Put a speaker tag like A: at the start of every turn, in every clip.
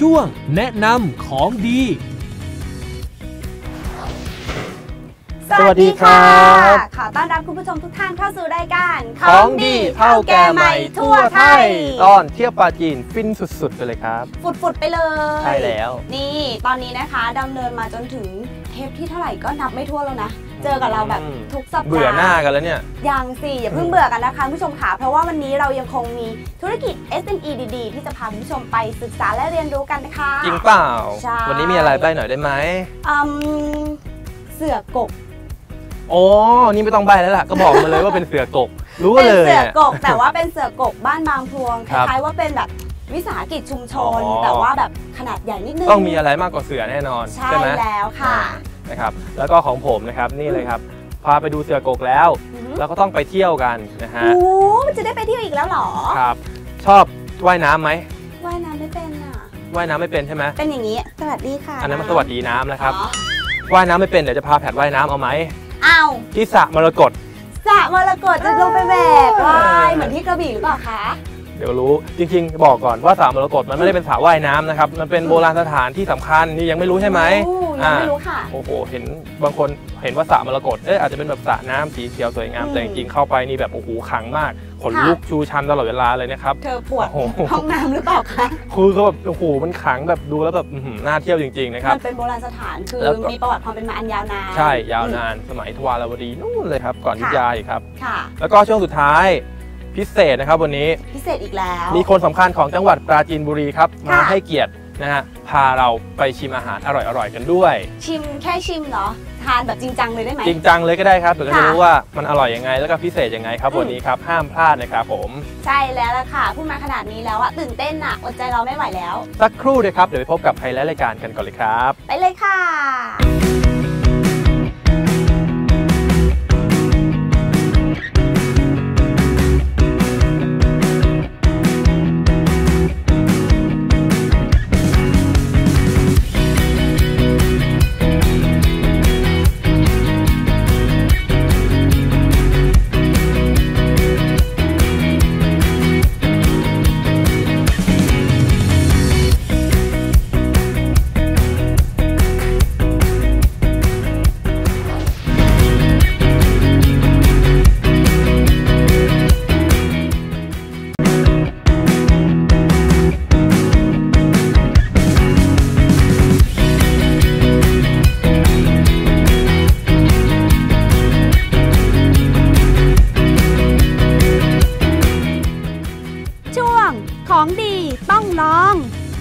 A: ช่วงแนะนำของดี
B: สวัสดีครับขอต้อนรับคุณผู้ชมทุกท่านเข้าสู่รายการ
C: ของดีเท่าแก่ใหม่ทั่วไทยตอนเที่ยวปาจีนฟินสุดๆไปเลยครับ
B: ฝุดๆไปเลย
C: ใช่แล้ว
B: นี่ตอนนี้นะคะดำเนินมาจนถึงเทปที่เท่าไหร่ก็นับไม่ทั่วแล้วนะเจอกับเราแบบทุกสัปดาห์
C: เบื่อหน้ากันแล้วเนี่ย
B: ยังสิอย่าเพิ่งเบื่อกันนะคะผู้ชมค่ะเพราะว่าวันนี้เรายังคงมีธุรกิจ SME ดีๆที่จะพาผู้ชมไปศึกษาและเรียนรู้กันนะคะ
C: จริงเปล่าวันนี้มีอะไรใบ้หน่อยได้ไหม
B: เสือกก
C: โอ้นี่ไม่ต้องใบแล้วล่ะก็บอกมาเลยว่าเป็นเสือกกรู้กันเลย
B: เป็นเสือกกแต่ว่าเป็นเสือกกบ้านบางพลวงคล้ายๆว่าเป็นแบบวิสาหกิจชุมชนแต่ว่าแบบขนาดใหญ่นิดนึง
C: ต้องมีอะไรมากกว่าเสือแน่นอน
B: ใช่ไหมแล้วค่ะ
C: นะครับแล้วก็ของผมนะครับนี่เลยครับพาไปดูเสือกกแล้วแล้วก็ต้องไปเที่ยวกันนะฮะ
B: โอ้มันจะได้ไปเที่ยวอีกแล้วหรอ
C: ครับชอบว่ายน้ำไหม
B: ว่ายน้ำไม่เป็นอ่ะ
C: ว่ายน้ำไม่เป็นใช่ไหม
B: เป็นอย่างนี้สวัสดีค่ะ
C: อันนั้นมันสวัสดีน้ำนะครับว่ายน้ำไม่เป็นเดี๋ยวจะพาแผดว่ายน้ำเอาไหม
B: เอา
C: ที่สระมรกต
B: สระมรกตจะลงไปแบกว่ายเหมือนที่กระบี่หรือเปล่าคะ
C: เดี๋ยวรู้จริงๆบอกก่อนว่าสระมรกตมันไม่ได้เป็นสระว่ายน้ำนะครับมันเป็นโบราณสถานที่สำคัญนี่ยังไม่รู้ใช่ไหม
B: ยังไม่รู้ค่ะ
C: โอ้โหเห็นบางคนเห็นว่าสระมรกตอาจจะเป็นแบบสระน้ำสีเขียวสวยงามแต่จริงๆเข้าไปนี่แบบโอ้โหขลังมากขนลุกชูชันตลอดเวลาเลยนะครับ
B: เธอปวดห้องน้ำหรือเปล่าคะ
C: คือเขาแบบโอ้โหมันขลังแบบดูแล้วแบบน่าเที่ยวจริงๆนะครับ
B: มันเป็นโบราณสถานคือมีประวัติความเป็นมาอันยาวนาน
C: ใช่ยาวนานสมัยทวารวดีนู่นเลยครับก่อนอยุธยาอีกครับ
B: ค่ะ
C: แล้วก็ช่วงสุดท้ายพิเศษนะครับวันนี้
B: พิเศษอีกแล้ว
C: มีคนสำคัญของจังหวัดปราจีนบุรีครับมาให้เกียรตินะฮะพาเราไปชิมอาหารอร่อยๆกันด้วย
B: ชิมแค่ชิมเหรอทานแบบจริงจังเลยได้ไหม
C: จริงจังเลยก็ได้ครับเดี๋ยวจะรู้ว่ามันอร่อยยังไงแล้วก็พิเศษยังไงครับวันนี้ครับห้ามพลาดนะครับผม
B: ใช่แล้วล่ะค่ะพูดมาขนาดนี้แล้วอะตื่นเต้นอะอดใจเราไม่ไหวแล้ว
C: สักครู่เลยครับเดี๋ยวไปพบกับไฮไลท์รายการกันก่อนเลยครับ
B: ไปเลยค่ะของดีต้องลอง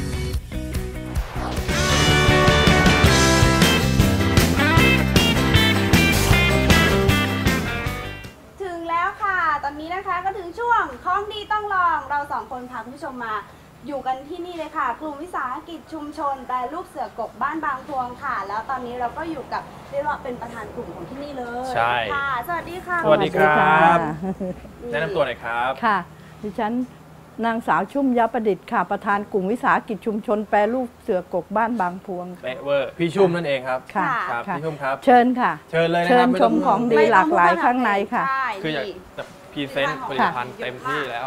B: ถึงแล้วค่ะตอนนี้นะคะก็ถึงช่วงของดีต้องลองเราสองคนพาคุณผู้ชมมาอยู่กันที่นี่เลยค่ะกลุ่มวิสาหกิจชุมชนแปรรูปเสือกกบ้านบางพลวงค่ะแล้วตอนนี้เราก็อยู่กับเรียกว่าเป็นประธานกลุ่มของที่นี่เลย
C: ใช่
B: ค่ะสวัสดีค่ะ
C: สวัสดีครับแนะนำตัวหน่อยครับ
D: ค่ะดิฉันนางสาวชุ่มยประดิษฐ์ค่ะประธานกลุ่มวิสาหกิจชุมชนแปรรูปเสือกกบ้านบางพวง
C: เป๊ะเวอร์พี่ชุ่มนั่นเองครับ
D: ค่ะ
C: พี่ชุ่มครับ
D: เชิญค่ะ
C: เชิญเลยนะครับ
D: เชิญชมของดีหลากหลายข้างในค่ะ
C: คืออยากจะพรีเซนต์ผลิตภัณฑ์เต็มที่แล้ว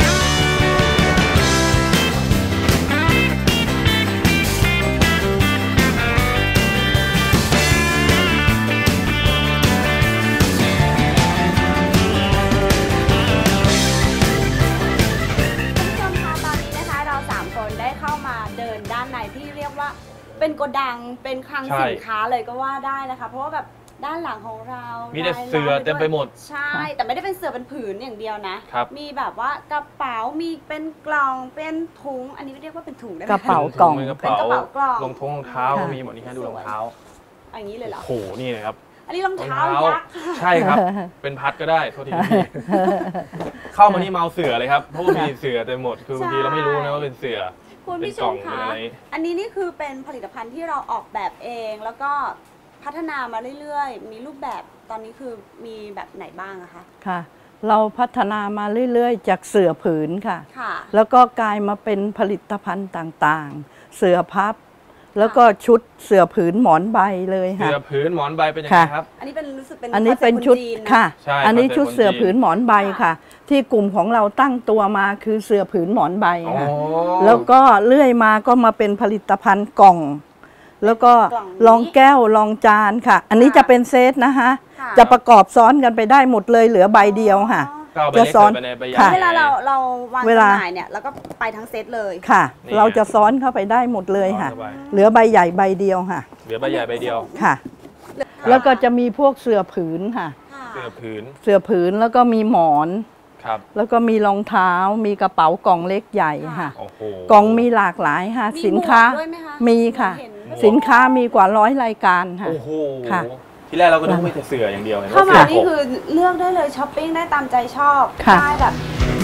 B: ที่เรียกว่าเป็นโกดังเป็นคลังสินค้าเลยก็ว่าได้นะคะเพราะว่าแบบด้านหลังของเรา
C: มีแต่เสื่อเต็มไปหมด
B: ใช่แต่ไม่ได้เป็นเสื่อเป็นผืนอย่างเดียวนะมีแบบว่ากระเป๋ามีเป็นกล่องเป็นถุงอันนี้เรียกว่าเป็นถุงได้ไหม
D: กระเป๋ากล่อง
C: เป็นกระเป๋ากล่องรองเท้ามีหมดนี่ฮะดูรองเท้า
B: อย่างนี้เลยเหรอ
C: โอ้โหนี่เลยครับ
B: อันนี้รองเท้ายักษ์
C: ใช่ครับเป็นพัดก็ได้โทษทีเข้ามานี่เมาเสื่อเลยครับเพราะว่ามีเสื่อเต็มหมดคือบางทีเราไม่รู้นะว่าเป็นเสื่อ
B: คุณผู้ชมคะอันนี้นี่คือเป็นผลิตภัณฑ์ที่เราออกแบบเองแล้วก็พัฒนามาเรื่อยๆมีรูปแบบตอนนี้คือมีแบบไหนบ้างอะคะ
D: ค่ะเราพัฒนามาเรื่อยๆจากเสื่อผืนค่ะแล้วก็กลายมาเป็นผลิตภัณฑ์ต่างๆเสื่อพับแล้วก็ชุดเสื่อผืนหมอนใบเลยค่ะ
C: เสื้อผืนหมอนใบเป็นยังไงครับ
B: อันนี้เป็นรู้สึกเป็น
D: อันนี้เป็นชุด
B: คอนเซ็ปต์คนจีนนะ
D: ค่ะ
C: ใช่
D: อันนี้
C: คอนเซ็ปต์
D: ชุดเสื่อ
C: คนจีน
D: ผืนหมอนใบค่ะ ที่กลุ่มของเราตั้งตัวมาคือเสื่อผืนหมอนใบ
C: อ๋อ
D: ค่ะแล้วก็เลื่อยมาก็มาเป็นผลิตภัณฑ์กล่อง แล้วก็รองแก้วรองจานค่ะ อันนี้จะเป็นเซตนะคะ
B: ค่ะ
D: จะประกอบซ้อนกันไปได้หมดเลยเหลือใบเดียวค่ะ
C: ก็เอาไป
D: จะ
C: เล็ก
D: ซ้อน
C: ใส่ไปในใบใหญ่
D: ค่ะ
B: เวลาเราวาง
D: เว
B: จำ
D: ลา
B: หน่ายเนี่ยแล้วก็ไปทั้งเซตเลย
D: ค่ะ
C: นี่
D: เราจะซ้อนเข้าไปได้หมดเลยค่ะ
C: สบาย
D: เหลือใบใหญ่ใบเดียวค่ะ
C: เหลือใบใหญ่ใบเดียว
D: ค่ะ แล้วก็จะมีพวกเสื่อผืนค่ะ
B: ค่ะ
C: เสื้อผืน
D: เสื่อผืนแล้วก็มีหมอน
C: ครับ
D: แล้วก็มีรองเท้า มีกระเป๋ากล่องเล็กใหญ่ค่ะ
C: โอ้โห
D: กล่องมีหลากหลายค่ะ
B: มี
D: สินค้า
B: หมวกด้วยไหมคะ
D: มีค่ะ
B: เห็น
D: สินค้ามีกว่า100 รายการค่ะ
C: โอ้โห
D: ค่ะ
C: ที่แรกเราก็นึกว่ามีแต่เสื้ออย่างเดียวเห็น
B: เข้า
C: ว่า
B: มา
C: เสื้อ
B: นี่
C: กบ
B: คือเลือกได้เลยช้อปปิ้งได้ตามใจชอบ
D: ค่ะ
B: ได้แบบ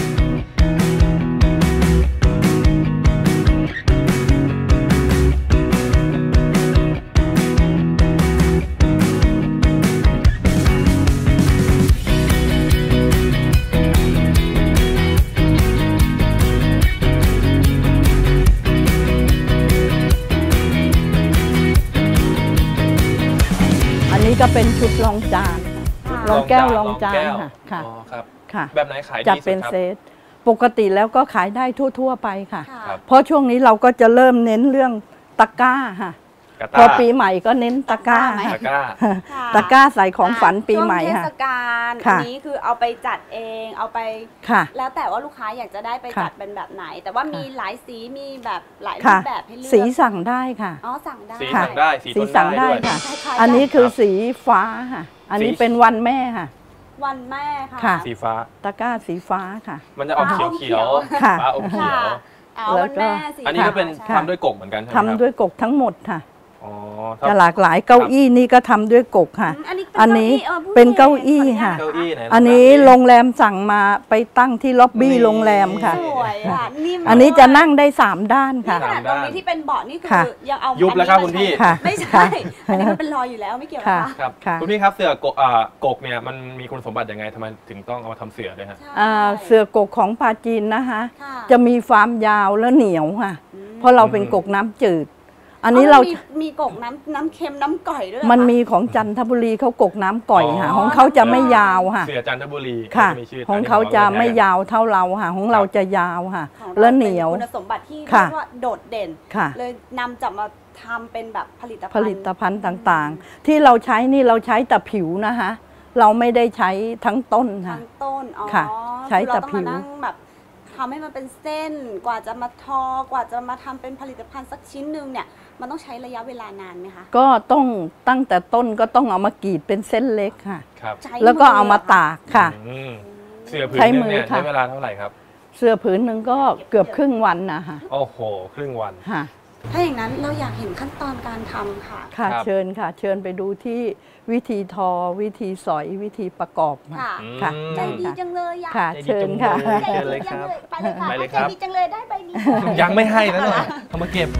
D: อันนี้ก็เป็นชุดรองจานค่ะรองแก้วรองจาน
C: แก้ว
D: ค่ะค่ะ
C: อ๋อครับ
D: ค่ะ
C: แบบไหนขายดี
D: จัด
C: สุด
D: เป็น
C: ครับ
D: เซตปกติแล้วก็ขายได้ทั่ว ๆ ไปค่ะ
B: ค่ะ
C: ครับ
D: เพราะช่วงนี้เราก็จะเริ่มเน้นเรื่องตะกร้าค่ะ
C: กระ
D: พอ
C: ต้า
D: ปีใหม่ก็เน้นตะกร้า
B: ตะกร้าไหม
C: ตะกร้า
B: ค่ะ
D: ตะกร้าใส่ของฝันปีใหม่
B: ช่วง
D: ค่ะ
B: เทศกาล
D: ค่ะ
B: อันนี้คือเอาไปจัดเองเอาไป
D: ค่ะ
B: แล้วแต่ว่าลูกค้าอยากจะได้ไป
D: ค่ะ
B: จัดเป็นแบบไหน แต่ว่ามีหลายสีมีแบบหลายรู
D: ค่ะ
B: ปแบบให้เลือก
D: สีสั่งได้ค่ะ
B: อ๋อสั่งได้
C: สี
D: ค่ะ
C: สั่งได้สี
D: สี
C: ต้น
D: สั่งได้
C: ด้วย
D: ค่ะ
B: คล้ายๆ
D: อันนี้คือ
C: ครับ
D: สีฟ้าค่ะ อันนี้
C: สี
D: เป็นวันแม่ค่ะ
B: วันแม่ค่ะ
D: ค่ะ
C: สีฟ้า
D: ตะกร้าสีฟ้าค่ะ
C: มันจะออก
B: ฟ้า
C: เขียว
B: อมเขียว
C: ๆ
D: ค่ะ
C: ฟ้าอมเขียว
B: ค่ะอ๋อ
D: แล้ว
B: วันแม่สี
C: อันนี้ก็เป็น
B: ใช่
C: ทำด้วยกกเหมือนกันใช่ไหม
D: ทำ
C: ครับ
D: ด้วยกกทั้งหมดค่ะ
C: อ๋อ
D: จะหลากหลายเก้าอี้นี่ก็ทำด้วยกกค่ะ
B: อันนี้
D: อันนี้
B: ผู้
D: เป็น
B: หญิง
D: เก้าอี้
B: ขออนุญาต
D: ค่ะ
C: เก้าอี้ไหน
D: อันนี้โรงแรมสั่งมาไปตั้งที่ล็อบบี้
C: นี่
D: โรงแรมค่ะ
B: สวยอ่ะนิ่ม
D: อันนี้จะ
B: ด้วย
D: นั่งได้3 ด้าน
B: นี่
D: ค่ะ
B: ขนาดตรงนี้ที่เป็นเบาะนี่คือ
D: ค่ะ
B: ยังเอา
C: ยุบแล้วครับคุณพี่
D: ค่ะ
B: ไม่ใช่ อันนี้มันเป็นรอยอยู่แล้วไม่เกี่ยว
D: ค่ะ
B: นะคะ
C: ครับ
D: ค่ะ
C: คุณพี่ครับเสือกกกเนี่ยมันมีคุณสมบัติยังไงทำไมถึงต้องเอามาทำเสือด้วยฮะ
B: ใช่
D: เสือกกของปลาจีนนะคะ
B: ค่ะ
D: จะมีความยาวและเหนียวค่ะ
B: อืม
D: เพราะเราเป็นกกน้ำจืด อันนี้เรา
B: มีกกน้ำเค็มน้ำก่อยด้วยเหรอ
D: มัน
B: คะ
D: มีของจันทบุรีเขากกน้ำก่อยค่ะ
C: อ๋อ
D: ของเขาจะไม่ยาวค่ะ
C: เสือจันทบุรี
D: ค่ะ
C: มีชื่อ
D: ของเขาจะไม่ยาวเท่าเราค่ะ ของเราจะยาวค่ะ
B: ของ
D: และ
B: รา
D: เหนียว
B: ป็คุณสมบัติที่
D: ค่ะ
B: เรียกว่าโดดเด่น
D: ค่ะ
B: เลยนำจับมาทำเป็นแบบผลิตภัณฑ์
D: ผลิตภัณฑ์ต่างๆ ที่เราใช้นี่เราใช้แต่ผิวนะคะ เราไม่ได้ใช้ทั้งต้นค่ะ
B: ทั้งต้นอ๋อ
D: ค่ะใช้
B: คือ
D: แต่
B: เราต้อง
D: ผิ
B: มาว นั่งแบบทำให้มันเป็นเส้นกว่าจะมาทอกว่าจะมาทำเป็นผลิตภัณฑ์สักชิ้นหนึ่งเนี่ยมันต้องใช้ระยะเวลานานไหมคะ
D: ก็ต้องตั้งแต่ต้นก็ต้องเอามากรีดเป็นเส้นเล็กค่ะ
C: ครับ
B: ใช้
D: แล้วก็เอามาตากค่ะ
C: อืมเสือผืน
D: ใช้
C: หนึ
D: มื
C: ง
D: อ
C: เนี่ย
D: ค่ะ
C: ใช้เวลาเท่าไหร่ครับ
D: เสื้อผืนหนึ่งก็เกือบครึ่งวันนะคะ
C: โอ้โห ครึ่งวัน
D: ค่ะ
B: ถ้าอย่างนั้นเราอยากเห็นขั้นตอนการทำค่ะ
D: ค่ะ
C: ครับ
D: เชิญค่ะ เชิญไปดูที่วิธีทอวิธีสอยวิธีประกอบ
B: ค่ะ
D: ค่ะ
B: ใจดีจังเลยอ่ะ
D: ค่ะ
C: ใจดี
D: เชิญค่ะ
C: จังเลย
B: ใจ
C: เชิญเล
B: ดี
C: ยค
B: จัง
C: รับ
B: เลยไปเลยค่ะ
C: ไปเลยค
B: ใจ
C: รับ
B: ดีจังเลยได้ใบนี้
C: ยังไม่ให้นะหน่อยเอามาเก็บ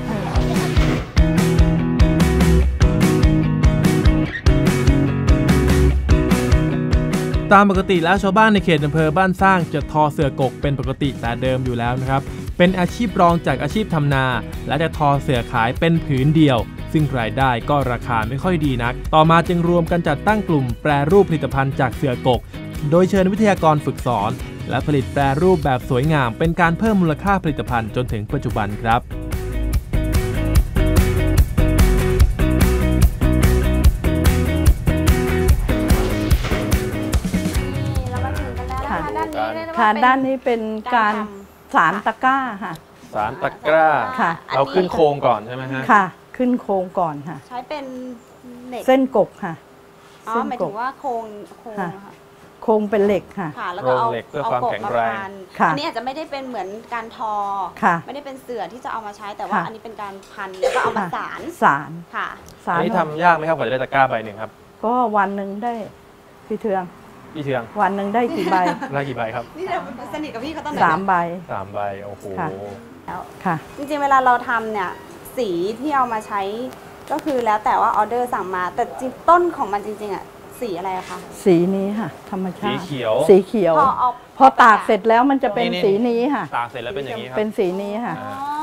A: ตามปกติแล้วชาวบ้านในเขตอำเภอบ้านสร้างจะทอเสือกกเป็นปกติแต่เดิมอยู่แล้วนะครับ เป็นอาชีพรองจากอาชีพทำนา และจะทอเสือขายเป็นผืนเดียว ซึ่งรายได้ก็ราคาไม่ค่อยดีนัก ต่อมาจึงรวมกันจัดตั้งกลุ่มแปรรูปผลิตภัณฑ์จากเสือกก โดยเชิญวิทยากรฝึกสอน และผลิตแปรรูปแบบสวยงาม เป็นการเพิ่มมูลค่าผลิตภัณฑ์จนถึงปัจจุบันครับ
B: เรามาถึงกันแล้วนะคะ
D: ค่ะ
B: ด้านนี้เรียกได้ว่า
D: ค่ะ
B: เป็น
D: ด้านนี้เป็นการสารตะกร้าค่ะ
C: สารตะกร้า
D: ค่ะ
C: เราขึ้นโครงก่อนใช่ไหมฮะ
D: ค่ะ ขึ้นโครงก่อนค่ะ
B: ใช้เป็นเหล็ก
D: เส้นกกค่ะ
B: อ๋อ
D: เส้น
B: หมาย
D: ก
B: ถึ
D: ก
B: งว่าโครงค่ะ
D: โครงเป็นเหล็กค่ะ
B: ค่ะ แล้วก็เอา
C: โครงเหล็กเพื่อความ
B: กบ
C: แข็งแรง
B: พัน
D: ค่ะ
B: อันนี้อาจจะไม่ได้เป็นเหมือนการทอ
D: ค่ะ
B: ไม่ได้เป็นเสื่อที่จะเอามาใช้แต่ว่า
D: ค่ะ
B: อันนี้เป็นการพันแล้วก็เอามาสาร
D: สาร
B: ค่ะ
D: สา
C: อัน
D: ร
C: นี้ทำยากไหมครับกว่าจะได้ตะกร้าใบหนึ่งครับ
D: ก็วันหนึ่งได้พี่เทือง
C: พี่เชือง
D: วันหนึ่งได้กี่ใบ
C: ได้กี่ใบครับ
B: นี่เราสนิทกับพี่เขาตอนไหน
D: 3 ใบ
C: 3 ใบ โอ้โห
D: ค่ะ
B: แล้ว
D: ค่ะ
B: จริงๆเวลาเราทำเนี่ยสีที่เอามาใช้ก็คือแล้วแต่ว่าออเดอร์สั่งมาแต่จริงต้นของมันจริงๆอ่ะสีอะไรอะคะ
D: สีนี้ค่ะ ธรรมชา
C: สี
D: ติ
C: เขียว
D: สีเขียว
B: เอา
D: พอตากเสร็จแล้วมันจะเป็น
C: นี่
D: สีนี้ค่ะ
C: ตากเสร็จแล้วเป็นอย่างนี้ครับ
D: เป็นสีนี้ค่ะ
B: อ๋อ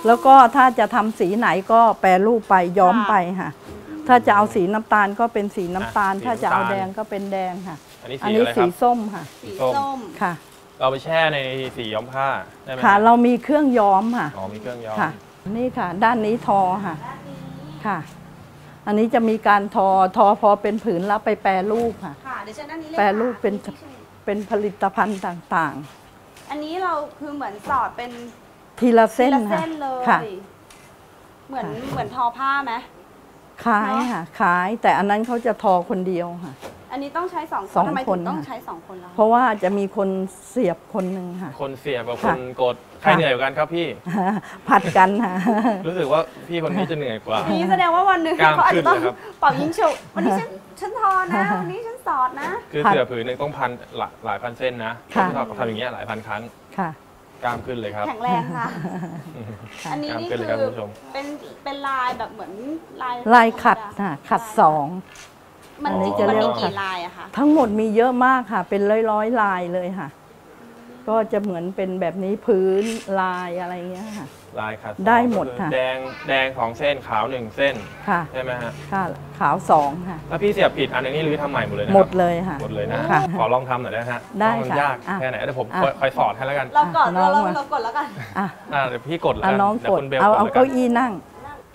D: แล้วก็ถ้าจะทำสีไหนก็แปรรูปไปย้อมไปค่ะถ้าจะเอาสีน้ำตาลก็เป็นสีน้ำตาลถ้าจะเอาแดงก็เป็นแดงค่ะอันนี้สีส้มค่ะ
B: สีส้ม
D: ค่ะ
C: เราไปแช่ในสีย้อมผ้าได้ไหม
D: ค่ะเรามีเครื่องย้อมค่ะ
C: อ๋อมีเครื่องย้อม
D: ค่ะนี่ค่ะด้านนี้ทอค่ะค่ะอันนี้จะมีการทอพอเป็นผืนแล้วไปแปรรูปค่ะแปรรูปเป็นผลิตภัณฑ์ต่าง
B: ๆอันนี้เราคือเหมือนสอดเป็น
D: ทีละเส้น
B: เลยเหมือนทอผ้าไหม
D: ขายค่ะขายแต่อันนั้นเขาจะทอคนเดียวค่ะ
B: อันนี้ต้องใช้2 คนทำไมถึงต้องใช้2 คนล่ะ
D: เพราะว่าจะมีคนเสียบคนหนึ่งค่ะ
C: คนเสียบกับคนกดใครเหนื่อยกว่ากันครับพี่
D: ผัดกันค่ะ
C: รู้สึกว่าพี่คนนี้จะเหนื่อยกว่า
B: นี่แสดงว่าวันหนึ่งเขาอาจจะต้องเป่ายิงฉุบวันนี้ฉันทอนะวันนี้ฉันสอดนะ
C: คือเสือผืนหนึ่งต้องพันหลายพันเส้นนะทำอย่างเงี้ยหลายพันครั้ง
D: ค่ะ
C: กล้ามขึ้นเลยครับ
B: แข็งแรงค่ะอันนี้นี่คือเป็นลายแบบเหมือน
D: ลายขัดค่ะขัด2
B: มันมีกี่ลายอะคะ
D: ทั้งหมดมีเยอะมากค่ะเป็นร้อยลายเลยค่ะก็จะเหมือนเป็นแบบนี้พื้นลายอะไรเงี้ยค่ะ
C: ลายขัด
D: ได้หมดค่ะ
C: แดง2 เส้นขาว1 เส้น
D: ค่ะ
C: ใช่ไหมฮะ
D: ค่ะขาว2ค่ะ
C: ถ้าพี่เสียบผิดอันนี้รื้อทำใหม่หมดเลยนะ
D: หมดเลยค่ะ
C: หมดเลยนะขอลองทำหน่อยได้ฮะ
D: ได้ค่ะ
C: ยากแค่ไหนเดี๋ยวผมคอยสอนให้แล้วกัน
B: เรากดแล้วกัน
C: เดี๋ยวพี่กดแล้ว
D: น้องกดเอาเก้าอี้นั่ง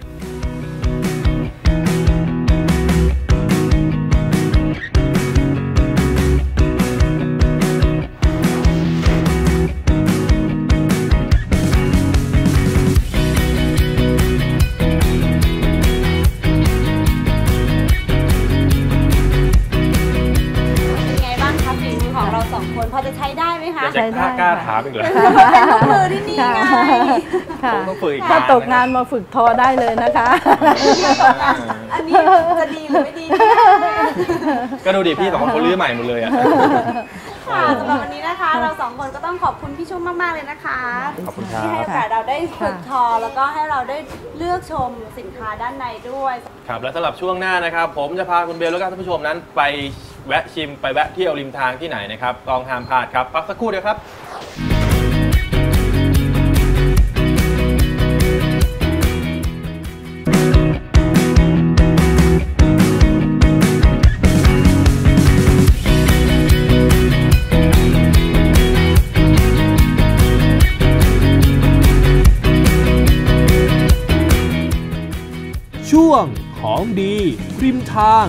B: พอจะใช้ได้ไหมคะ
C: ใช้ได้กล้าถามอีกเลย
B: เป็นลูกมือที่นี่ไง
C: ต้องฝึกอีก
D: ถ้าตกงานมาฝึกทอได้เลยนะคะ
B: อันนี้จะดีหรือไม่ดี
C: ก็ดูดิพี่2 คนรื้อใหม่หมดเลยอ่ะ
B: ค่ะสำหรับวันนี้นะคะเรา2 คนก็ต้องขอบคุณพี่ชุ่มมากๆเลยนะคะที่ให้โอกาสเราได้ฝึกทอแล้วก็ให้เราได้เลือกชมสินค้าด้านในด้วย
C: ครับและสำหรับช่วงหน้านะครับผมจะพาคุณเบลและก็ท่านผู้ชมนั้นไปแวะชิมไปแวะเที่ยวริมทางที่ไหนนะครับต้องห้ามพลาดครับพักสักครู่เดียวครับ
A: ช่วงของดีริมทาง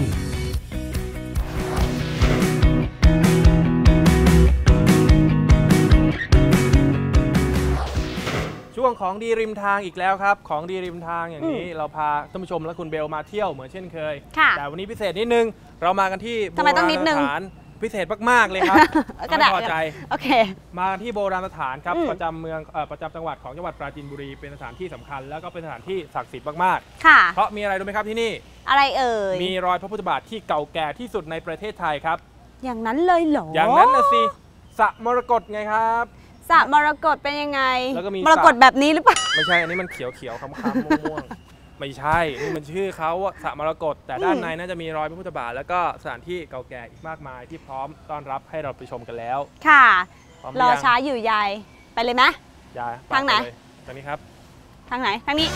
A: ช่วงของดีริมทางอีกแล้วครับของดีริมทางอย่างนี้เราพาท่านผู้ชมและคุณเบลมาเที่ยวเหมือนเช่นเคยแต่วันนี้พิเศษนิดนึงเรามากันที่โบราณสถานพิเศษมากๆเลยครับไม่พอใจ
B: โอเค
C: มาที่โบราณสถานครับประจำเมืองประจำจังหวัดของจังหวัดปราจีนบุรีเป็นสถานที่สำคัญแล้วก็เป็นสถานที่ศักดิ์สิทธิ์มาก
B: ๆค่ะ
C: เพราะมีอะไรรู้ไหมครับที่นี่
B: อะไรเอ่ย
C: มีรอยพระพุทธบาทที่เก่าแก่ที่สุดในประเทศไทยครับ
B: อย่างนั้นเลยเหรอ
C: อย่างนั้นนะสิสระมรกตไงครับ
B: สระมรกตเป็นยังไงมรกตแบบนี้หรือเปล่า
C: ไม่ใช่อันนี้มันเขียวๆค้ำๆม่วงๆไม่ใช่นี่มันชื่อเขาสระมรกตแต่ด้านในน่าจะมีรอยพระพุทธบาทแล้วก็สถานที่เก่าแก่อีกมากมายที่พร้อมต้อนรับให้เราไปชมกันแล้ว
B: ค่ะรอช้าอยู่ยายไปเลยไหม
C: ยาย
B: ทางไหน
C: ทางนี้ครับ
B: ทางไหนทางนี้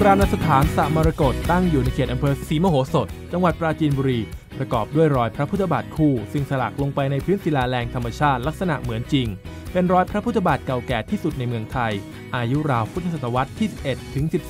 A: ราณสถานสระมรกตตั้งอยู่ในเขตอำเภอศรีมโหสถจังหวัดปราจีนบุรีประกอบด้วยรอยพระพุทธบาทคู่ซึ่งสลักลงไปในพื้นศิลาแรงธรรมชาติลักษณะเหมือนจริงเป็นรอยพระพุทธบาทเก่าแก่ที่สุดในเมืองไทยอายุราวพุทธศตวรรษที่ 11 ถึง 13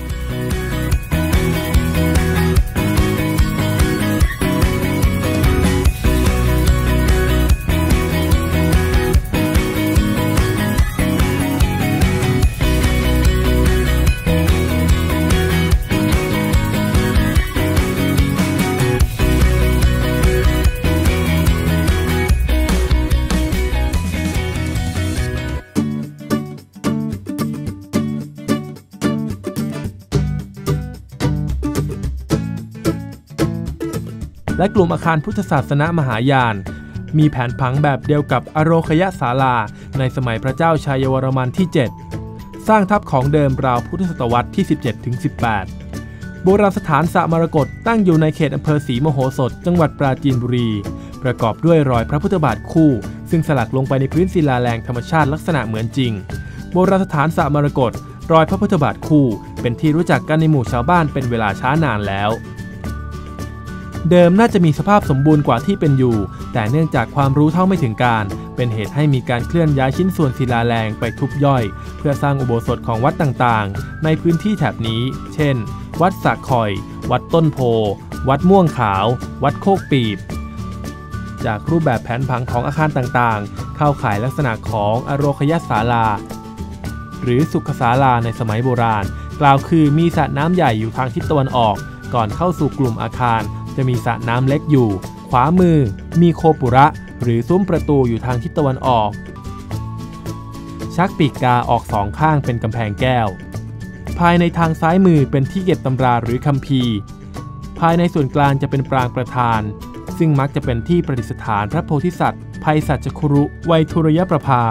A: และกลุ่มอาคารพุทธศาสนมหายานมีแผนผังแบบเดียวกับอโรคยศาลาในสมัยพระเจ้าชัยวรมันที่ 7 สร้างทับของเดิมราวพุทธศตวรรษที่ 17-18 โบราณสถานสระมรกตตั้งอยู่ในเขตอำเภอศรีมโหสถจังหวัดปราจีนบุรีประกอบด้วยรอยพระพุทธบาทคู่ซึ่งสลักลงไปในพื้นศิลาแรงธรรมชาติลักษณะเหมือนจริงโบราณสถานสระมรกตรอยพระพุทธบาทคู่เป็นที่รู้จักกันในหมู่ชาวบ้านเป็นเวลาช้านานแล้วเดิมน่าจะมีสภาพสมบูรณ์กว่าที่เป็นอยู่แต่เนื่องจากความรู้เท่าไม่ถึงการเป็นเหตุให้มีการเคลื่อนย้ายชิ้นส่วนศิลาแรงไปทุบย่อยเพื่อสร้างอุโบสถของวัดต่างๆในพื้นที่แถบนี้เช่นวัดสะคอยวัดต้นโพวัดม่วงขาววัดโคกปีบจากรูปแบบแผนผังของอาคารต่างๆเข้าข่ายลักษณะของอโรคยศาลาหรือสุขศาลาในสมัยโบราณกล่าวคือมีสระน้ำใหญ่อยู่ทางทิศตะวันออกก่อนเข้าสู่กลุ่มอาคารจะมีสระน้ำเล็กอยู่ขวามือมีโคปุระหรือซุ้มประตูอยู่ทางทิศตะวันออกชักปีกกาออกสองข้างเป็นกำแพงแก้วภายในทางซ้ายมือเป็นที่เก็บตำราหรือคัมภีร์ภายในส่วนกลางจะเป็นปรางประธานซึ่งมักจะเป็นที่ประดิษฐานพระโพธิสัตว์ไพศาลคุรุไวยทุรยประภา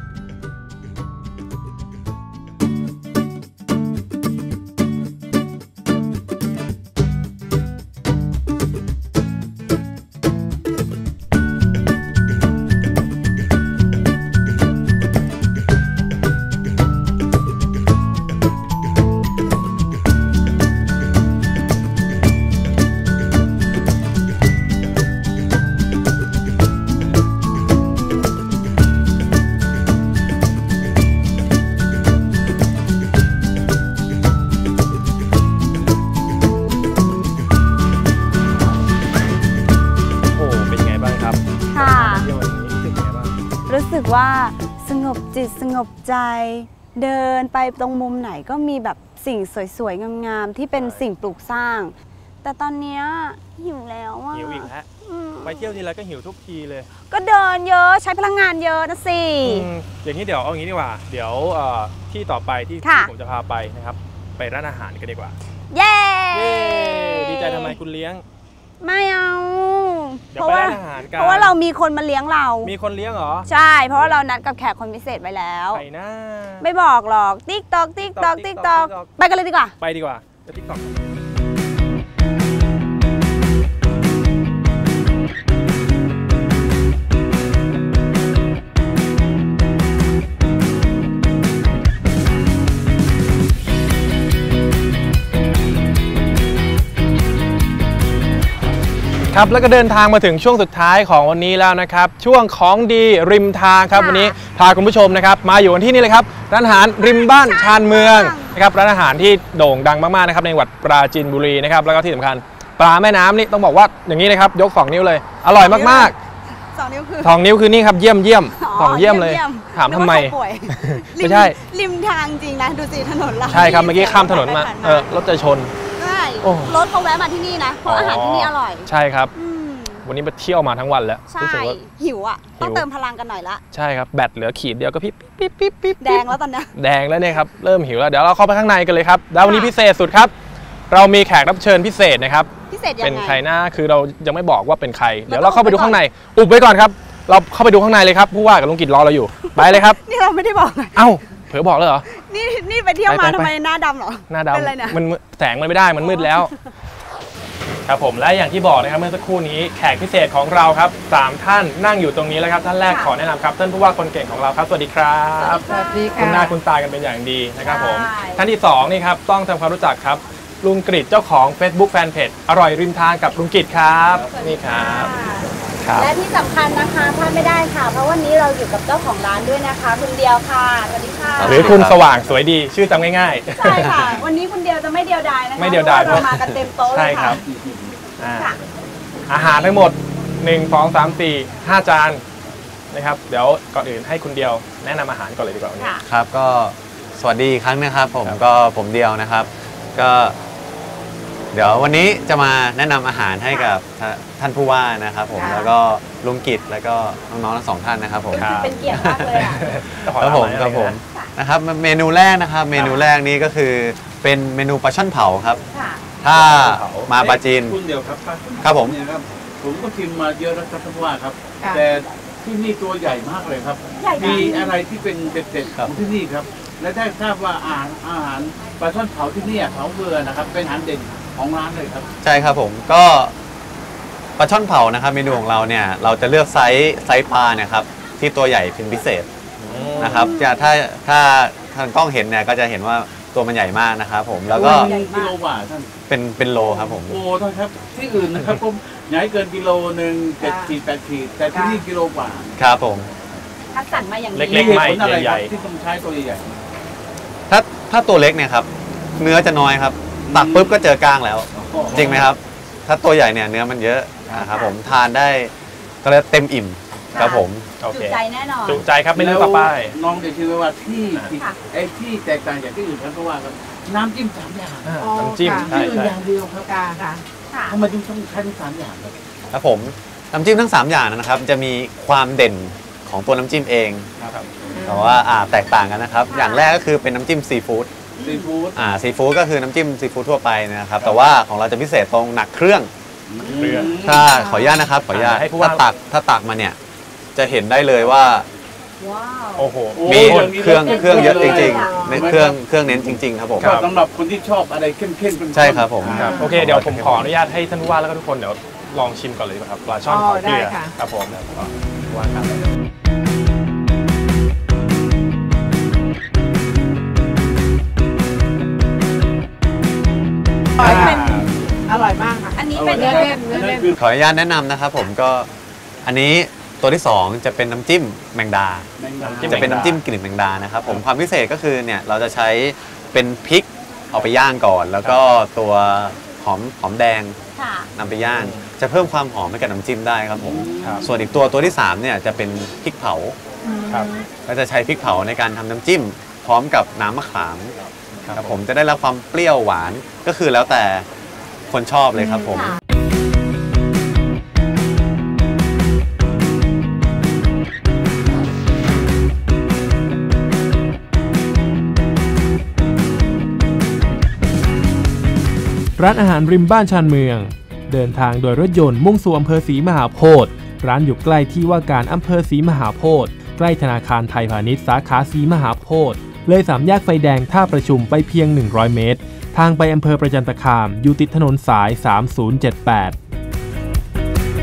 B: รู้สึกว่าสงบจิตสงบใจเดินไปตรงมุมไหนก็มีแบบสิ่งสวยๆงามๆที่เป็นสิ่งปลูกสร้างแต่ตอนนี้หิวแล้วอ่ะ
C: หิวอีกแล้วไปเที่ยวทีไรก็หิวทุกทีเลย
B: ก็เดินเยอะใช้พลังงานเยอะนะสิ
C: อย่างนี้เดี๋ยวเอางี้ดีกว่าเดี๋ยวที่ต่อไปที่ผมจะพาไปนะครับไปร้านอาหารกันดีกว่า
B: เย้
C: ดีใจทำไมคุณเลี้ยง
B: ไม่เอา
C: เพราะ
B: ว่าเรามีคนมาเลี้ยงเรา
C: มีคนเลี้ยงเหรอ
B: ใช่เพราะว่าเรานัดกับแขกคนพิเศษไว้แล้ว
C: ใครนะ
B: ไม่บอกหรอกติ๊กตอกติ๊กตอกติ๊กตอกไปกันเลยดีกว่า
C: ไปดีกว่าจะติ๊กตอกครับแล้วก็เดินทางมาถึงช่วงสุดท้ายของวันนี้แล้วนะครับช่วงของดีริมทางครับวันนี้พาคุณผู้ชมนะครับมาอยู่กันที่นี่เลยครับร้านอาหารริมบ้านชานเมืองนะครับร้านอาหารที่โด่งดังมากๆนะครับในจังหวัดปราจีนบุรีนะครับแล้วก็ที่สำคัญปลาแม่น้ำนี่ต้องบอกว่าอย่างนี้นะครับยก2 นิ้วเลยอร่อยมากๆ2 นิ้วคือนี่ครับเยี่ยม2 เยี่ยมเลยถามทำไมไม่ใช่
B: ริมทางจริงนะดูสิถนนเรา
C: ใช่ครับเมื่อกี้ข้ามถนนมารถจะชน
B: รถเขาแวะมาที่นี่นะเพราะอาหารที่นี่อร่อย
C: ใช่ครับวันนี้มาเที่ยวมาทั้งวันแล้ว
B: รู้สึกว่าหิวอ่ะต้องเติมพลังกันหน่อยละ
C: ใช่ครับแบตเหลือขีดเดียวก็ปิ๊บ
B: แดงแล้วตอนนี้
C: แดงแล้วเนี่ยครับเริ่มหิวแล้วเดี๋ยวเราเข้าไปข้างในกันเลยครับแล้ววันนี้พิเศษสุดครับเรามีแขกรับเชิญพิเศษนะครับ
B: พิเศษยังไง
C: เป็นใครนะคือเรายังไม่บอกว่าเป็นใครเดี๋ยวเราเข้าไปดูข้างในอุบไว้ก่อนครับเราเข้าไปดูข้างในเลยครับผู้ว่ากับลุงกิจรอเราอยู่ไปเลยครับ
B: นี่เราไม่ได้บอก
C: เอ้าเผลอบอกเลยเหรอ
B: นี่ไปเที่ยวมาทำไมหน้าดำเหรอ
C: หน้าดำมันแสงมันไม่ได้มันมืดแล้วครับผมและอย่างที่บอกนะครับเมื่อสักครู่นี้แขกพิเศษของเราครับ3ท่านนั่งอยู่ตรงนี้แล้วครับท่านแรกขอแนะนำครับท่านผู้ว่าคนเก่งของเราครับสวัสดีครับ
B: สวัสดีค่ะ
C: คุณหน้าคุณตากันเป็นอย่างดีนะครับผมท่านที่2นี่ครับต้องทำความรู้จักครับลุงกฤษเจ้าของ Facebook Fanpage อร่อยริมทางกับลุงกฤษครับนี่ครับครับ
B: และที่สำคัญนะคะพลาดไม่ได้ค่ะ เพราะวันนี้เราอยู่กับเจ้าของร้านด้วยนะคะคุณเดียวค่ะสวัสดีค่ะ
C: หรือคุณสว่างสวยดีชื่อจำง่าย
B: ใช่ค่ะ วันนี้คุณเดียวจะไม่เดียวดายนะคะ
C: ไม่เดียวดาย
B: พระเรามากันเต็มโต๊ะ
C: ๆ
B: เล
C: ใช่
B: ย
C: ครั
B: ค่ะ
C: บอาหารทั้งหมด1 2 3 4 5 จานนะครับเดี๋ยวก่อนอื่นให้คุณเดียวแนะนำอาหารก่อนเลยดีกว่าวันนี้
B: ค่ะ
E: ครับก็สวัสดีอีกครั้งนะครับผม
C: ครับ
E: ก็ผมเดียวนะครับก็เดี๋ยววันนี้จะมาแนะนำอาหารให้กับท่านผู้ว่านะครับผม
B: ค่ะ
E: แล้วก็ลุงกิจแล้วก็น้องๆทั้ง2ท่านนะครับผม
B: เป็นเกียรติมากเลยอ่ะ
E: ครับผมครับผมนะครับเมนูแรกนะครับเมนูแรกนี้ก็คือเป็นเมนูปลาช่อนเผาครับ
B: ค่ะ
E: ถ้ามาปลาจีน
F: คุณเดียวครับ
E: ครับผม
F: เนี่ยครับผมก็ชิมมาเยอะแล้วครับท่านผู้ว่าครับ
B: ค่ะ
F: แต่ที่นี่ตัวใหญ่มากเลยครับ
B: ใหญ่จริ
F: มี
B: ง
F: อะไรที่เป็นเด็ดๆของที่นี่ครับ และได้ทราบว่าอาหารปลาช่อนเผาที่นี่เผาเบื่อนะครับเป็นอาหารเด่นของร้านเลยครับ
E: ใช่ครับผมก็ปลาช่อนเผานะครับเมนูของเราเนี่ยเราจะเลือกไซส์ปลาเนี่ยครับที่ตัวใหญ่เป็นพิเศษนะครับถ้าทางกล้องเห็นเนี่ยก็จะเห็นว่าตัวมันใหญ่มากนะครับผมแล้วก็
B: ใหญ่มาก
F: กิโลกว่าท่าน
E: เป็นโลครับผม
F: โอ้ท่านครับที่อื่นนะครับผมใหญ่เกินกิโลหนึ่ง7 ขีด8 ขีดแต่ที่นี่กิโลกว่า
E: ครับผม
B: คัดสรรมาอย่างดี
C: เล็กๆ
F: มี
C: ไม่
F: ผลอะไร
C: ให
F: ค
C: ญ่
F: รับที่ต้องใช้ตัวใหญ่
E: ถ้าตัวเล็กเนี่ยครับเนื้อจะน้อยครับตักปุ๊บก็เจอกล้างแล้ว
F: ๆ
E: จริงไหมครับ ถ้าตัวใหญ่เนี่ยเนื้อมันเยอะนะครับผมทานได้ก็เลยกเต็มอิ่มครับผม
C: โอ
B: จุ
C: เค
B: ใจแน่นอน
C: จุใจครับไม่เลือกต่อไป
F: แล้วน้องจะชื่อว่าที่
B: ค่ะ
F: ไอ้ที่แตกต่างจากที่อื่นครับเพราะว่าครับน้ำจิ้ม3 อย่าง
C: น้ำจิ้ม
B: ค่ะ
C: ใช่
F: ที่อื่น
C: ใช่
F: อย่างเดียวครับ
B: ค่ะ
F: ทำไมถึงต้องใช้ทั้ง3 อย่างครับ
E: ครับผมน้ำจิ้มทั้ง 3 อย่างนะครับจะมีความเด่นของตัวน้ำจิ้มเอง
C: ครับ
E: แต่ว่าแตกต่างกันนะครับ อย่างแรกก็คือเป็นน้ำจิ้มซีฟู้ด
F: ซีฟู้ด
E: ซีฟู้ดก็คือน้ำจิ้มซีฟู้ดทั่วไปนะครับแต่ว่าของเราจะพิเศษตรงหนักเครื่อง
C: เครื่อง
E: ถ้าขออนุญาตนะครับขออนุญาต
C: ให้ผู้ว่า
E: ถ้าตักมาเนี่ยจะเห็นได้เลยว่า
B: ว้าว
C: โอ้โห
E: มี
F: โอ้ย
E: เครื่องเยอะจริง
B: ครับ
E: ๆในเครื่องเน้นจริงๆครับผม
C: ครับ
F: สำหรับคนที่ชอบอะไรเข้มๆเป็น
E: ใช่ครับผม
C: ครับโอเคเดี๋ยวผมขออนุญาตให้ท่านผู้ว่าแล้วก็ทุกคนเดี๋ยวลองชิมก่อนเลยดีกว่าครับปลาช่อนเผาเกลือครับผมว่าครับ
G: อร่อยมากค่ะ
B: อันนี้เป็น
G: เนื้อเล่น
F: อัน
G: เนื้อ
F: นั้น
G: เล่น
F: คือ
E: ขออนุญาตแนะนำนะครับผมก็อันนี้ตัวที่ 2 จะเป็นน้ำจิ้มแมงดา
F: แมงดา
C: จิ้ม
E: จะเป็นน้ำจิ้มกลิ่นแมงดานะครับผมความพิเศษก็คือเนี่ยเราจะใช้เป็นพริกเอาไปย่างก่อน แล้วก็ตัวหอมแดง
B: ค่ะ
E: นำไปย่าง จะเพิ่มความหอมให้กับน้ำจิ้มได้ครับผม
C: ครับ
E: ส่วนอีกตัวที่3เนี่ยจะเป็นพริกเผา
C: ครับ
E: ก็จะใช้พริกเผาในการทำน้ำจิ้ม พร้อมกับน้ำมะขามครับผมจะได้รับความเปรี้ยวหวานก็คือแล้วแต่คนชอบเลยครับผม
B: ค่ะ
A: ร้านอาหารริมบ้านชานเมือง เดินทางโดยรถยนต์มุ่งสู่อำเภอศรีมหาโพธิ์ร้านอยู่ใกล้ที่ว่าการอำเภอศรีมหาโพธิ์ใกล้ธนาคารไทยพาณิชย์สาขาศรีมหาโพธิ์เลย3 แยกไฟแดงท่าประชุมไปเพียง100 เมตร ทางไปอำเภอประจันตคามอยู่ติดถนนสาย 3078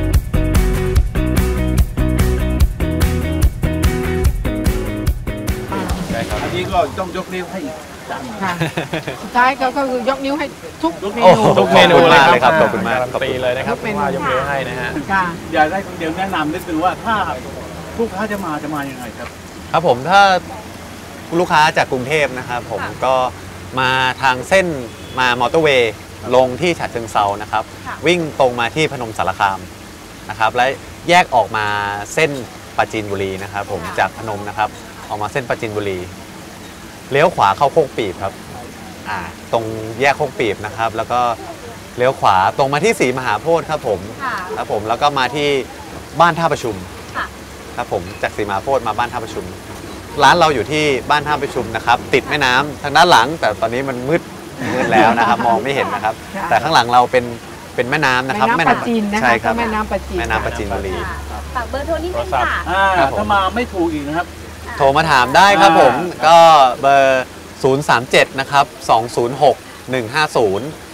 F: อันนี้ก็ต้องยกนิ้วให้อีกจาน
G: ค่ะสุดท้ายก็คือยกนิ้วให้ทุกเม
E: โอ้
G: นู
E: โห
C: ทุกเมนูเลย
E: ขอบคุณมากเลย
C: ค
E: ครั
C: รับบ
E: ขอบคุณมาก
C: การันตีเลยนะครับ
G: ทุกเมนู
C: ว่ายกมือให้นะฮะ
G: ค่ะ
F: อยากได้คนเดียวแนะนำนิดนึงว่าถ้าลูกค้าจะมายังไงครับ
E: ครับผมถ้าลูกค้าจากกรุงเทพนะครับผมก็มาทางเส้นมามอเตอร์เวย์ลงที่ฉะเชิงเซานะครับ
B: ค่ะ
E: วิ่งตรงมาที่พนมสารคามนะครับและแยกออกมาเส้นปราจีนบุรีนะครับผมจากพนมนะครับออกมาเส้นปราจีนบุรีเลี้ยวขวาเข้าโคกปีบครับตรงแยกโคกปีบนะครับแล้วก็เลี้ยวขวาตรงมาที่ศรีมหาโพธิ์ครับผม
B: ค่ะ
E: ครับผมแล้วก็มาที่บ้านท่าประชุม
B: ค่ะ
E: ครับผมจากศรีมหาโพธิ์มาบ้านท่าประชุม ร้านเราอยู่ที่บ้านท่าประชุมนะครับติดแม่น้ำทางด้านหลัง แต่ตอนนี้มันมืดแล้วนะครับ มองไม่เห็นนะครับ
G: ค่ะ
E: แต่ข้างหลังเราเป็นแม่น้ำนะครับ
G: แม่น้ำปลาจีนนะคะ
E: ใช่ครับ
G: แม่น้ำปลาจีน
E: แม่น้ำปราจีนบุรี
B: ค่ะฝากเบอร์โทรนิดนึงค่ะ
E: ครับผม
F: ถ้ามาไม่ถูกอีกนะครับ
E: โทรมาถามได้ครับผมก็เบอร์ 037 นะครับ 206 150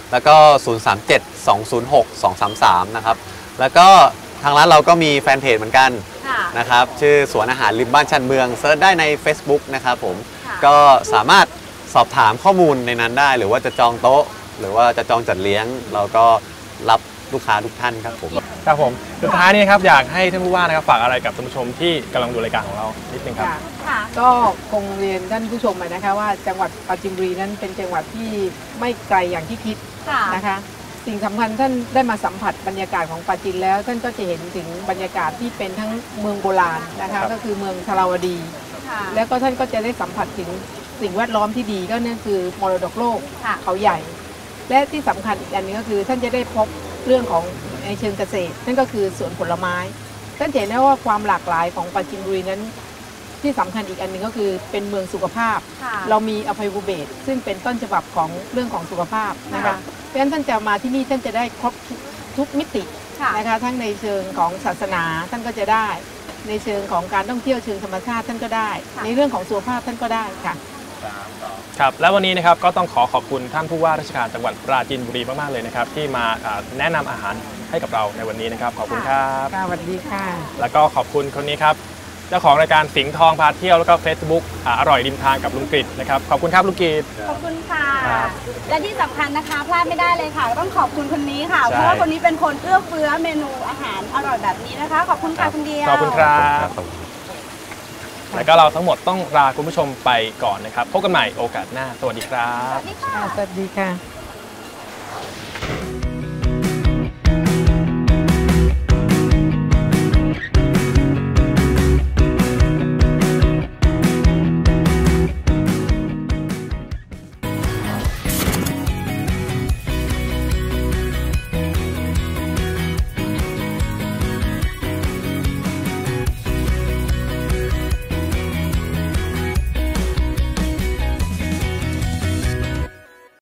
E: แล้วก็ 037-206-233 นะครับแล้วก็ทางร้านเราก็มีแฟนเพจเหมือนกันนะครับชื่อสวนอาหารริมบ้านชานเมืองเซิร์ชได้ใน Facebook นะครับผมก็สามารถสอบถามข้อมูลในนั้นได้หรือว่าจะจองโต๊ะหรือว่าจะจองจัดเลี้ยงเราก็รับลูกค้าทุกท่านครับผม
C: ครับผมสุดท้ายนี้ครับอยากให้ท่านผู้ว่านะครับฝากอะไรกับท่านผู้ชมที่กำลังดูรายการของเรานิดนึงครับ
G: ก็คงเรียนท่านผู้ชมไปนะคะว่าจังหวัดปราจีนบุรีนั้นเป็นจังหวัดที่ไม่ไกลอย่างที่คิดนะคะสิ่งสำคัญท่านได้มาสัมผัสบรรยากาศของปราจีนแล้วท่านก็จะเห็นถึงบรรยากาศที่เป็นทั้งเมืองโบราณนะคะก็คือเมืองธาราวดีแล้วก็ท่านก็จะได้สัมผัสถึงสิ่งแวดล้อมที่ดีก็นั่นคือมรดกโลกเขาใหญ่และที่สำคัญอีกอันนึงก็คือท่านจะได้พบเรื่องของในเชิงเกษตรนั่นก็คือสวนผลไม้ท่านเห็นได้ว่าความหลากหลายของปราจีนบุรีนั้นที่สำคัญอีกอันนึงก็คือเป็นเมืองสุขภาพเรามีอภัยภูเบศรซึ่งเป็นต้นฉบับของเรื่องของสุขภาพนะคะเพราะฉะนั้นท่านจะมาที่นี่ท่านจะได้ครบทุกมิตินะคะทั้งในเชิงของศาสนาท่านก็จะได้ในเชิงของการท่องเที่ยวเชิงธรรมชาติท่านก็ได้ในเรื่องของสุขภาพท่านก็ได้ค่ะ
C: ครับและวันนี้นะครับก็ต้องขอบคุณท่านผู้ว่าราชการจังหวัดปราจีนบุรีมากๆเลยนะครับที่มาแนะนำอาหารให้กับเราในวันนี้นะครับขอบคุณครับ
G: สวัสดีค่ะ
C: แล้วก็ขอบคุณคนนี้ครับเจ้าของรายการสิงห์ทองพาเที่ยวแล้วก็ Facebook อร่อยริมทางกับลุงกฤษนะครับขอบคุณครับลุงกฤษ
B: ขอบคุณค่ะและที่สำคัญนะคะพลาดไม่ได้เลยค่ะต้องขอบคุณคนนี้ค่ะเพราะว่าคนนี้เป็นคนเอื้อเฟื้อเมนูอาหารอร่อยแบบนี้นะคะขอบคุณค่ะคุณเดียว
C: ขอบคุณครับแล้วก็เราทั้งหมดต้องลาคุณผู้ชมไปก่อนนะครับพบกันใหม่โอกาสหน้าสวัสดีครับ
G: สวัสดีค่ะ